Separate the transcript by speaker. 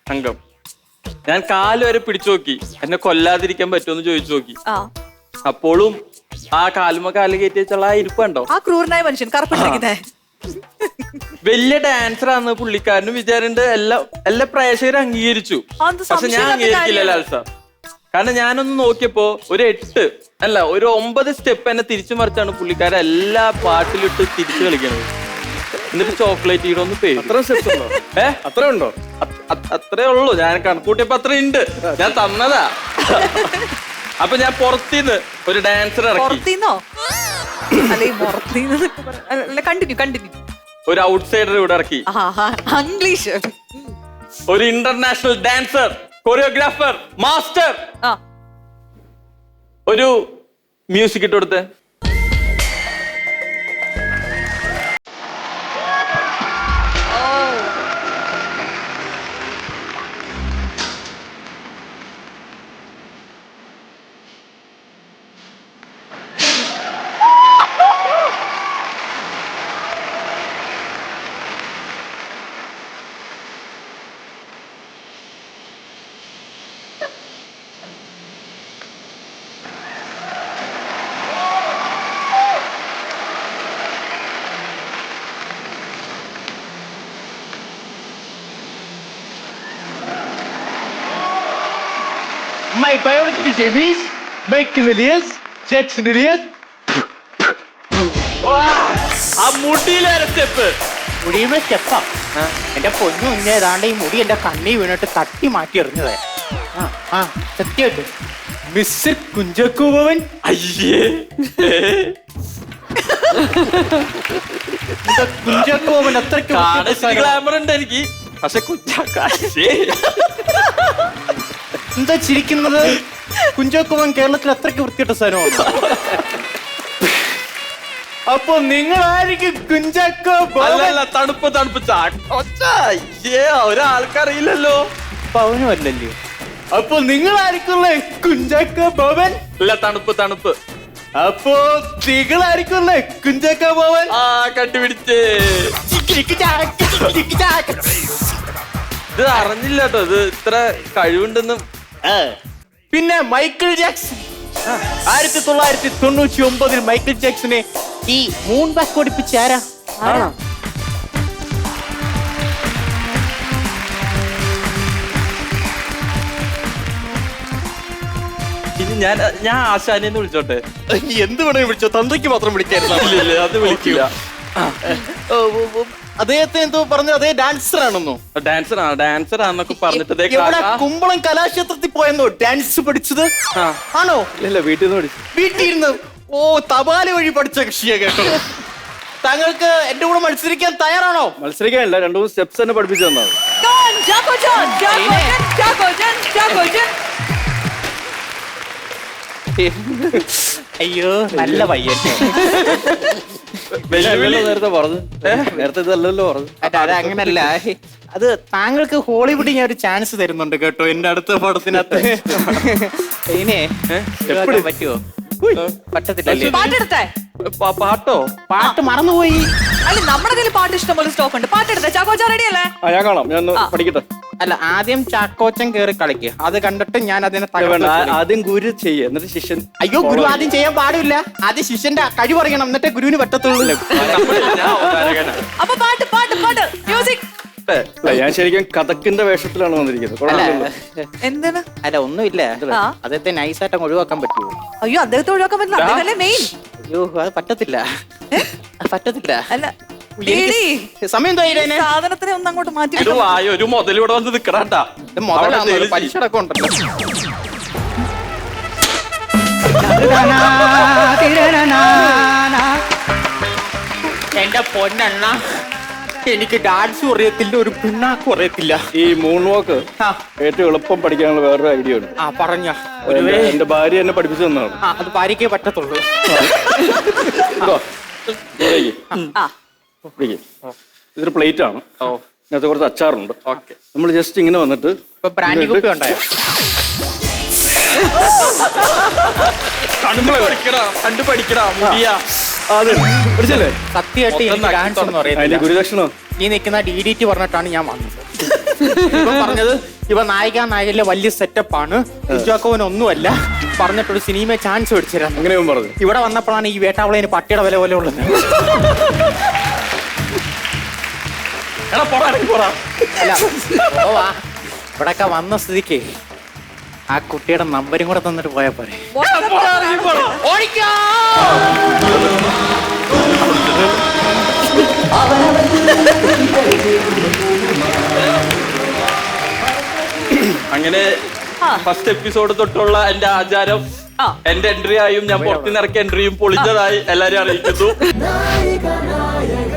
Speaker 1: അംഗം. ഞാൻ കാല് വരെ പിടിച്ചു നോക്കി, എന്നെ കൊല്ലാതിരിക്കാൻ പറ്റുമെന്ന് ചോദിച്ചു നോക്കി. അപ്പോഴും ആ കാലുമ കാല് കയറ്റി വെച്ചുള്ള ആ ഇരിപ്പുണ്ടോ,
Speaker 2: ആ ക്രൂരനായ മനുഷ്യൻ കറുപ്പിട്ടിരിക്കുന്നേ.
Speaker 1: വലിയ ഡാൻസർ ആണെന്ന് പുള്ളിക്കാരനും വിചാരിണ്ട്. എല്ലാ പ്രേക്ഷകരും അംഗീകരിച്ചു. പക്ഷെ ഞാൻ അംഗീകരിക്കില്ല ലാൽ സാർ. കാരണം ഞാനൊന്ന് നോക്കിയപ്പോ ഒരു 9 സ്റ്റെപ്പ് എന്നെ തിരിച്ചു മറിച്ചാണ് പുള്ളിക്കാരൻ എല്ലാ പാട്ടിലിട്ട് തിരിച്ചു കളിക്കണത്. എന്നിട്ട് ചോക്ലേറ്റ് ഈടൊന്ന് പേര്
Speaker 3: അത്ര ഉണ്ടോ?
Speaker 1: അത്രേ ഉള്ളൂ. ഞാൻ കണക്കൂട്ടിയപ്പോ അത്ര ഉണ്ട്. ഞാൻ തന്നതാ. അപ്പൊ ഞാൻ പുറത്തിന്ന് ഒരു ഡാൻസർ ഇറക്കി. ഒരു ഔട്ട്സൈഡർ ഇവിടെ ഇറക്കി.
Speaker 2: ഇംഗ്ലീഷ്.
Speaker 1: ഒരു ഇന്റർനാഷണൽ ഡാൻസർ, കൊറിയോഗ്രാഫർ, മാസ്റ്റർ. ഒരു മ്യൂസിക് ഇട്ട് കൊടുത്തേ.
Speaker 3: My biological series, Maximilius, Jacksonilius.
Speaker 1: ആ മുടിയിലെ സ്റ്റെപ്പ്.
Speaker 4: മുടിയുമ്പോ സ്റ്റെപ്പാ. എന്റെ പൊന്നു മുന്നേ ഏതാണ്ട് ഈ മുടി എന്റെ കണ്ണി വീണിട്ട് തട്ടി മാറ്റി എറിഞ്ഞതേ. സത്യമായിട്ട് മിസ്റ്റർ കുഞ്ചാക്കോ ബോബൻ.
Speaker 1: അയ്യേ,
Speaker 4: കുഞ്ചാക്കോ ബോബൻ അത്രയ്ക്ക്
Speaker 1: ഗ്ലാമർ ഉണ്ട് എനിക്ക്. പക്ഷെ
Speaker 4: എന്താ ചിരിക്കുന്നത്? കുഞ്ചാക്കോ ബോബൻ കേരളത്തിൽ അത്രയ്ക്ക് വൃത്തിയിട്ട സ്ഥലമാണ്. അപ്പൊ നിങ്ങളായിരിക്കും കുഞ്ചാക്കോ ബോബൻ?
Speaker 1: തണുപ്പ് ഒരാൾക്കറിയില്ലല്ലോ.
Speaker 4: പവനും അല്ലല്ലോ. അപ്പൊ നിങ്ങളായിരിക്കുമല്ലേ കുഞ്ചാക്കോ ബോബൻ?
Speaker 1: അല്ല, തണുപ്പ്.
Speaker 4: അപ്പൊ നിങ്ങളായിരിക്കുമല്ലേ കുഞ്ചാക്കോ ബോബൻ?
Speaker 1: കണ്ടുപിടിച്ചേ. ഇത് അറിഞ്ഞില്ല കേട്ടോ, ഇത് ഇത്ര കഴിവുണ്ടെന്നും.
Speaker 4: പിന്നെ മൈക്കിൾ ജാക്സൺ 1999 മൈക്കിൾ ജാക്സനെ ഈ മൂൺ ബാക്ക് ഓടിപ്പിച്ച ആരാ?
Speaker 1: ഇത് ഞാൻ ആശാനെ വിളിച്ചോട്ടെ.
Speaker 4: എന്ത് വേണേ വിളിച്ചോ, തന്തയ്ക്ക് മാത്രം വിളിക്കായിരുന്നു.
Speaker 1: അത് വിളിക്കില്ല.
Speaker 4: അദ്ദേഹത്തെ എന്തോ പറഞ്ഞു, അതേ ഡാൻസർ ആണെന്നോ?
Speaker 1: ഡാൻസർ ആണെന്നൊക്കെ പറഞ്ഞിട്ട്
Speaker 4: കുമ്പളം കലാക്ഷേത്രത്തിൽ പോയെന്നോ ഡാൻസ് പഠിച്ചത്? ആണോ?
Speaker 3: ഇല്ല, വീട്ടിൽ നിന്ന് പഠിച്ചു.
Speaker 4: വീട്ടിൽ ഇരുന്ന്. ഓ, തപാല വഴി പഠിച്ച കൃഷിയെ കേട്ടോ. താങ്കൾക്ക് എന്റെ കൂടെ മത്സരിക്കാൻ തയ്യാറാണോ?
Speaker 3: മത്സരിക്കാനില്ല, 2-3 സ്റ്റെപ്സ് തന്നെ പഠിപ്പിച്ചു തന്നത്.
Speaker 4: അയ്യോ, നല്ല പയ്യൻ.
Speaker 3: നേരത്തെ പറഞ്ഞു, നേരത്തെ ഇതല്ലല്ലോ പറഞ്ഞു.
Speaker 4: അത് അങ്ങനല്ല, അത് താങ്കൾക്ക് ഹോളിവുഡിൽ ഞാൻ ഒരു ചാൻസ് തരുന്നുണ്ട് കേട്ടോ, എന്റെ അടുത്ത പടത്തിനകത്ത്. ഇനെ പറ്റുമോ? പറ്റത്തില്ല.
Speaker 1: പാട്ടോ?
Speaker 4: പാട്ട് മറന്നുപോയി.
Speaker 2: അല്ല, നമ്മുടെ കയ്യിൽ പാട്ട് ഇഷ്ടംപോലെ സ്റ്റോക്ക് ഉണ്ട്. പാട്ടെടുത്തേ. ചാക്കോച്ച റെഡി അല്ലേ?
Speaker 3: ഞാൻ കാണാം, ഞാൻ പഠിക്കട്ടെ.
Speaker 4: അല്ല, ആദ്യം ചാക്കോച്ചൻ കേറി കളിക്കുക, അത് കണ്ടിട്ട് ഞാൻ അതിനെ
Speaker 3: ആദ്യം ഗുരു ചെയ്യ, എന്നിട്ട് ശിഷ്യൻ.
Speaker 4: അയ്യോ, ഗുരു ആദ്യം ചെയ്യാൻ പാടില്ല. ആദ്യം ശിഷ്യന്റെ കഴിവ് അറിയണം, എന്നിട്ടേ ഗുരുവിന് പറ്റത്തുള്ളൂ.
Speaker 2: അപ്പൊ പാട്ട് മ്യൂസിക്.
Speaker 3: ഞാൻ ശരിക്കും കഥക്കിന്റെ വേഷത്തിലാണ് വന്നിരിക്കുന്നത്.
Speaker 2: എന്താണ്?
Speaker 4: അല്ല, ഒന്നുമില്ല. അദ്ദേഹത്തെ നൈസായിട്ട് ഒഴിവാക്കാൻ പറ്റുമോ?
Speaker 2: അയ്യോ, അദ്ദേഹത്തെ ഒഴിവാക്കാൻ പറ്റില്ല. അദ്ദേഹമല്ലേ മെയിൻ.
Speaker 4: അയ്യോ, അത് പറ്റത്തില്ല.
Speaker 2: അല്ല,
Speaker 4: സമയം
Speaker 2: സാധനത്തിനെ ഒന്ന് അങ്ങോട്ട് മാറ്റി.
Speaker 1: ഒരു മുതലിവിടെ വന്ന് നിക്കറാട്ടാ.
Speaker 4: പലിശടക്കം ഉണ്ടല്ലോ. എന്റെ പൊന്നെണ്ണ, എനിക്ക് ഡാൻസ് അറിയത്തില്ല, ഒരു പിണ്ണാക്കും അറിയത്തില്ല.
Speaker 3: ഈ മൂൺ വാക്ക് ഏറ്റവും എളുപ്പം പഠിക്കാനുള്ള വേറൊരു ഐഡിയ ഉണ്ട്.
Speaker 4: പറഞ്ഞ
Speaker 3: എന്റെ ഭാര്യ എന്നെ പഠിപ്പിച്ചു തന്നതാണ്.
Speaker 4: അത് ഭാര്യക്കേ പറ്റത്തുള്ളൂ.
Speaker 3: ഇതൊരു പ്ലേറ്റ് ആണ്, ഇതിനകത്ത് കുറച്ച് അച്ചാറുണ്ട്. നമ്മൾ ജസ്റ്റ് ഇങ്ങനെ വന്നിട്ട്
Speaker 4: ബ്രാൻഡി കുപ്പി ഉണ്ടായോ?
Speaker 1: കണ്ടുപഠിക്കടാ മുടിയാ.
Speaker 4: സത്യമായിട്ട് ഡാൻസ് എന്ന് പറയുന്നത്
Speaker 3: ഗുരുദക്ഷിണ
Speaker 4: ഈ നിൽക്കുന്ന DDT പറഞ്ഞിട്ടാണ് ഞാൻ വന്നത്. ഇവൻ പറഞ്ഞത് ഇവ നായികയിലെ വലിയ സെറ്റപ്പാണ് ഒന്നുമല്ല പറഞ്ഞിട്ടൊരു സിനിമ ചാൻസ് മേടിച്ചിരുന്നു.
Speaker 3: അങ്ങനെ ഇവൻ പറഞ്ഞു.
Speaker 4: ഇവിടെ വന്നപ്പോഴാണ് ഈ വേട്ടാവളേന് പട്ടിയുടെ വില പോലെ ഉള്ളത്.
Speaker 3: എടാ പോടാ, ഇറങ്ങി പോടാ.
Speaker 4: അല്ല പോവാ, ഇവിടൊക്കെ വന്ന സ്ഥിതിക്ക് ആ കുട്ടിയുടെ നമ്പരും കൂടെ തന്നിട്ട് പോയാ പോരെ. ഓടിക്കോ.
Speaker 1: അങ്ങനെ ഫസ്റ്റ് എപ്പിസോഡ് തൊട്ടുള്ള എന്റെ ആചാരം, എന്റെ എൻട്രി ആയും ഞാൻ പുറത്തുനിന്ന് ഇറക്കിയ എൻട്രിയും പൊളിഞ്ഞതായി എല്ലാരും അറിയിക്കുന്നു.